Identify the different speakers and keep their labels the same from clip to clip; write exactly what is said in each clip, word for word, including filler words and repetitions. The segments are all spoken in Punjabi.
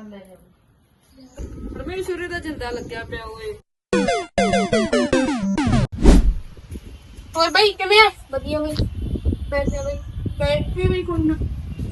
Speaker 1: ਲੈ ਜਾ ਪਰਮੇਸ਼ਵਰੀ ਦਾ ਜਿੰਦਾ ਲੱਗਿਆ ਪਿਆ ਓਏ।
Speaker 2: ਹੋਰ ਬਾਈ ਕਿਵੇਂ ਆ?
Speaker 3: ਵਧੀਆ ਬਈ। ਪੈਸੇ ਬਈ
Speaker 2: ਬੈਠੇ ਵੀ ਕੋਈ ਨਾ।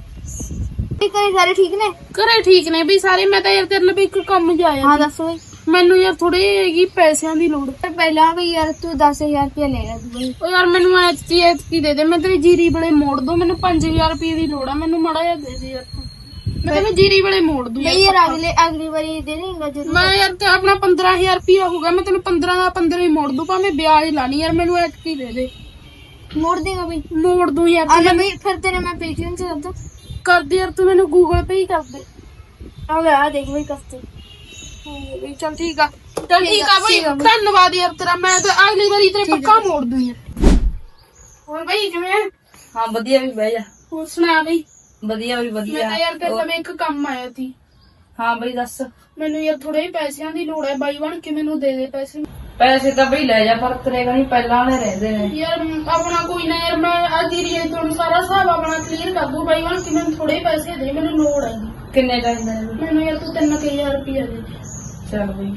Speaker 3: ਘਰੇ ਸਾਰੇ ਠੀਕ ਨੇ?
Speaker 2: ਘਰੇ ਠੀਕ ਨੇ ਬਈ ਸਾਰੇ। ਮੈਂ ਤਾਂ ਯਾਰ ਤੇਰੇ ਲਈ ਇੱਕ ਕੰਮ ਜਾਇਆ।
Speaker 3: ਹਾਂ ਦੱਸ ਬਈ।
Speaker 2: ਮੈਨੂੰ ਯਾਰ ਥੋੜੀ ਹੈਗੀ ਪੈਸਿਆਂ ਦੀ ਲੋੜ।
Speaker 3: ਪਹਿਲਾਂ ਵੀ ਯਾਰ ਤੂੰ ਦਸ ਹਜ਼ਾਰ ਰੁਪਇਆ ਲੈ ਗਿਆ ਬਈ।
Speaker 2: ਓ ਯਾਰ ਮੈਨੂੰ ਐਤਕੀ ਐਤਕੀ ਦੇ ਦੇ। ਮੈਂ ਤੇਰੀ ਜੀਰੀ ਵੇਲੇ ਮੋੜ ਦੂੰ। ਮੈਨੂੰ ਪੰਜ ਹਜ਼ਾਰ ਰੁਪਏ ਦੀ ਲੋੜ ਆ। ਮੈਨੂੰ ਮਾੜਾ ਜਿਹਾ ਦੇ ਦੇ ਯਾਰ ਤੂੰ। ਮੈਂ ਤੈਨੂੰ ਜੀਰੀ ਵੇਲੇ ਮੋੜ ਦੂੰ
Speaker 3: ਬਈ ਯਾਰ ਅਗਲੇ ਅਗਲੀ ਵਾਰੀ ਦੇ ਦੇਂਗਾ ਜਦੋਂ।
Speaker 2: ਮੈਂ ਯਾਰ ਤੇ ਆਪਣਾ ਪੰਦਰਾਂ ਹਜ਼ਾਰ ਰੁਪਇਆ ਹੋਊਗਾ। ਮੈਂ ਤੈਨੂੰ ਪੰਦਰਾਂ ਦਾ ਪੰਦਰਾਂ ਹੀ ਮੋੜ ਦੂੰ। ਭਾਵੇਂ ਵਿਆਜ ਲਾਣੀ ਯਾਰ। ਮੈਨੂੰ ਐਤਕੀ ਦੇ ਦੇ।
Speaker 3: ਮੋੜ ਦੇਗਾ ਬਈ।
Speaker 2: ਮੋੜ ਦੂੰ ਯਾਰ।
Speaker 3: ਆ ਲੈ ਬਈ ਫਿਰ ਤੇਰੇ ਮੈਂ ਪੇਟੀਐਮ ਚ ਕਰਦਾ।
Speaker 2: ਕਰ ਦੇ ਯਾਰ ਤੂੰ ਮੈਨੂੰ ਗੂਗਲ ਪੇ ਹੀ ਕਰ ਦੇ।
Speaker 3: ਆ ਲੈ ਆ ਦੇਖ ਬਈ ਕਸਤੇ।
Speaker 2: ਬਈ ਚੱਲ ਠੀਕ ਆ। ਚੱਲ ਠੀਕ ਆ ਬਈ। ਧੰਨਵਾਦ ਯਾਰ ਤੇਰਾ। ਮੈਂ ਤਾਂ ਅਗਲੀ ਵਾਰੀ ਤੇਰੇ ਪੱਕਾ ਮੋੜ ਦੂੰ ਯਾਰ। ਹੋਰ ਬਈ ਕਿਵੇਂ ਆ?
Speaker 1: ਹਾਂ ਵਧੀਆ ਵੀ ਬਹਿ ਜਾ।
Speaker 2: ਹੋਰ ਸੁਣਾ ਬਈ।
Speaker 1: ਵਧੀਆ ਵੀ
Speaker 2: ਮੈਂ
Speaker 1: ਵਧੀਆ।
Speaker 2: ਤਾਂ ਯਾਰ ਤੇਰੇ ਕੋਲ ਇੱਕ ਕੰਮ ਆਇਆ ਸੀ।
Speaker 1: ਹਾਂ ਬਈ ਦੱਸ।
Speaker 2: ਮੈਨੂੰ ਯਾਰ ਥੋੜੇ ਪੈਸਿਆਂ ਦੀ ਲੋੜ ਹੈ। ਬਾਈ ਬਣ ਕੇ ਮੈਨੂੰ ਦੇ ਦੇ ਪੈਸੇ।
Speaker 1: ਪੈਸੇ ਤਾਂ ਬਈ ਲੈ ਜਾ ਪਰ ਤੇਰੇ ਕਣੀ ਪਹਿਲਾਂ ਵਾਲੇ ਰਹਿੰਦੇ ਨੇ।
Speaker 2: ਯਾਰ ਆਪਣਾ ਕੋਈ ਨਾ ਯਾਰ। ਮੈਂ ਅੱਜ ਹੀ ਰੇਟ ਤੋਂ ਸਾਰਾ ਹਿਸਾਬ ਆਪਣਾ ਕਲੀਅਰ ਕਰ ਦੂੰ। ਬਾਈ ਬਣ ਕੇ ਮੈਨੂੰ ਥੋੜੇ ਪੈਸੇ ਦੇ। ਮੈਨੂੰ ਲੋੜ ਹੈ।
Speaker 1: ਕਿੰਨੇ ਚਾਹੀਦੇ ਨੇ?
Speaker 2: ਮੈਨੂੰ ਯਾਰ ਤੂੰ ਤਿੰਨ ਹਜ਼ਾਰ ਰੁਪਇਆ ਦੇ ਦੇ।
Speaker 1: ਚੱਲ ਬਈ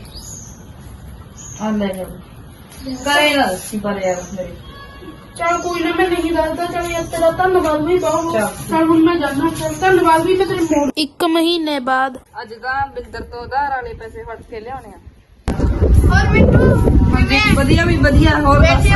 Speaker 1: ਆ ਲੈ ਜਾ। ਕਰੇ ਨਾ ਦੱਸੀ ਪਰ ਯਾਰ ਮੇਰੇ।
Speaker 2: ਚੱਲ ਕੋਈ ਨਾ ਮੈਂ ਨਹੀਂ ਦੱਸਦਾ। ਚੱਲ ਯਾਰ ਤੇਰਾ ਧੰਨਵਾਦ ਵੀ ਬਹੁਤ।
Speaker 1: ਚੱਲ।
Speaker 2: ਚੱਲ ਹੁਣ ਮੈਂ ਜਾਣਾ। ਚੱਲ ਧੰਨਵਾਦ ਵੀ ਮੈਂ ਤੇਰੇ ਮੋੜ। ਇੱਕ ਮਹੀਨੇ ਬਾਅਦ
Speaker 1: ਅੱਜ ਤਾਂ ਬਿੰਦਰ ਤੋਂ ਉਧਾਰ ਵਾਲੇ ਪੈਸੇ ਫੜ ਕੇ ਲਿਆਉਣੇ ਆ।
Speaker 3: ਹੋਰ ਮਿੰਟੂ
Speaker 1: ਹਾਂਜੀ ਵਧੀਆ ਵੀ ਵਧੀਆ। ਹੋਰ ਦੱਸ।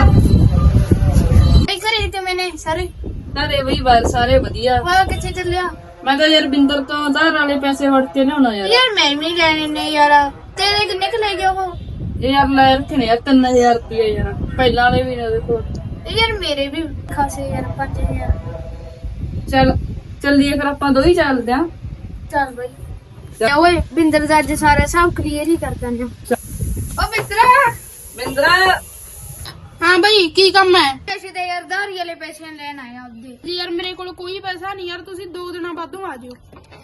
Speaker 3: ਬਈ ਘਰੇ ਤੇ ਮੈਨੇ ਸਾਰੇ।
Speaker 1: ਸਾਰੇ ਬਈ ਬਾਹਰ ਸਾਰੇ ਵਧੀਆ।
Speaker 3: ਹੋਰ ਕਿੱਥੇ ਚੱਲਿਆ?
Speaker 1: ਮੈਂ ਤਾਂ ਯਾਰ ਬਿੰਦਰ ਤੋਂ ਉਧਾਰ ਵਾਲੇ ਪੈਸੇ ਫੜ ਕੇ ਲਿਆਉਣਾ ਯਾਰ।
Speaker 3: ਯਾਰ ਮੈਂ ਵੀ ਲੈਣੇ ਨੇ ਯਾਰ। ਤੇਰੇ ਕਿੰਨੇ ਕ ਲੈ ਗਿਆ ਉਹ?
Speaker 1: ਇਹ ਯਾਰ ਲੈ ਰੱਖਣੇ ਯਾਰ ਤਿੰਨ ਹਜ਼ਾਰ ਰੁਪਏ ਯਾਰ। ਪਹਿਲਾਂ ਵਾਲੇ ਵੀ ਨੇ ਦੇਖੋ।
Speaker 3: ਯਾਰ ਮੇਰੇ ਵੀ ਖਾਸੇ ਯਾਰ ਪੰਜ ਹਜ਼ਾਰ।
Speaker 1: ਚੱਲ ਚੱਲੀਏ ਫਿਰ ਆਪਾਂ ਦੋ ਹੀ ਚੱਲਦੇ ਆਂ।
Speaker 3: ਚੱਲ ਬਈ। ਓਏ ਬਿੰਦਰ ਦਾ ਅੱਜ ਸਾਰਾ ਹਿਸਾਬ ਕਲੀਅਰ ਹੀ ਕਰ ਦਿੰਦੇ। ਓ ਮਿੱਤਰਾ।
Speaker 1: ਬਿੰਦਰਾ
Speaker 2: ਹਾਂ ਬਈ ਕੀ ਕੰਮ ਹੈ?
Speaker 3: ਪੈਸੇ ਤੇ ਯਾਰ ਧਾਰੀ ਵਾਲੇ ਪੈਸੇ ਲੈਣ ਆਇਆ ਉਹਦੇ।
Speaker 2: ਜੀ ਯਾਰ ਮੇਰੇ ਕੋਲ ਕੋਈ ਪੈਸਾ ਨਹੀਂ ਯਾਰ। ਤੁਸੀਂ ਦੋ ਦਿਨਾਂ ਬਾਅਦੋਂ ਆ ਜਾਓ।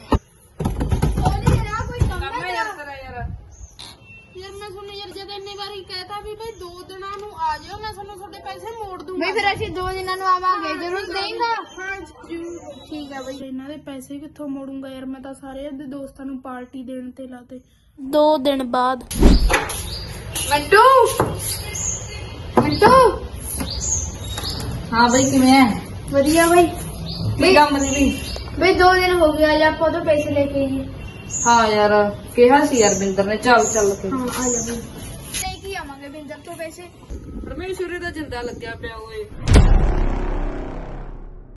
Speaker 3: ਉਹਨੇ ਯਾਰ ਕੋਈ ਕੰਮ
Speaker 1: ਕੰਮ
Speaker 3: ਹੈ
Speaker 1: ਯਾਰ ਤੇਰਾ ਯਾਰ।
Speaker 2: ਯਾਰ ਮੈਂ ਤੁਹਾਨੂੰ ਯਾਰ ਜਦ ਇੰਨੀ ਵਾਰੀ ਕਹਿਤਾ ਵੀ ਬਈ ਦੋ ਦਿਨਾਂ ਨੂੰ ਆ ਜਾਓ। ਮੈਂ ਤੁਹਾਨੂੰ ਤੁਹਾਡੇ ਪੈਸੇ ਮੋੜ ਦੂੰਗਾ।
Speaker 3: ਬਈ ਫਿਰ ਅਸੀਂ ਦੋ ਦਿਨਾਂ ਨੂੰ ਆਵਾਂਗੇ। ਜ਼ਰੂਰ ਦੇਂਗਾ।
Speaker 2: ਹਾਂ ਜ਼ਰੂਰ।
Speaker 3: ਠੀਕ ਆ ਬਈ।
Speaker 2: ਇਹਨਾਂ ਦੇ ਪੈਸੇ ਕਿੱਥੋਂ ਮੋੜੂੰਗਾ ਯਾਰ। ਮੈਂ ਤਾਂ ਸਾਰੇ ਦੇ ਦੋਸਤਾਂ ਨੂੰ ਪਾਰਟੀ ਦੇਣ ਤੇ ਲਾਤੇ। ਦੋ ਦਿਨ ਬਾਅਦ।
Speaker 3: ਮੰਟੂ ਮੰਟੂ।
Speaker 1: ਹਾਂ ਬਈ ਕਿਵੇਂ ਐ?
Speaker 3: ਵਧੀਆ ਬਈ।
Speaker 1: ਕੀ ਕੰਮ ਸੀ ਬਈ?
Speaker 3: ਬਈ ਦੋ ਦਿਨ ਹੋ ਗਏ। ਅੱਜ ਆਪਾਂ ਤੋਂ ਪੈਸੇ ਲੈ ਕੇ ਆਈਏ।
Speaker 1: ਹਾਂ ਯਾਰ ਕਿਹਾ ਸੀ ਯਾਰ ਬਿੰਦਰ ਨੇ। ਚੱਲ ਚੱਲ ਕੇ
Speaker 3: ਹਾਂ ਆ ਜਾ ਬਈ। ਲੈ ਕੇ ਆਵਾਂਗੇ ਬਿੰਦਰ ਤੋਂ ਪੈਸੇ।
Speaker 1: ਪਰਮੇਸ਼ਵਰੀ ਦਾ ਜਿੰਦਾ ਲੱਗਿਆ ਪਿਆ ਓਏ।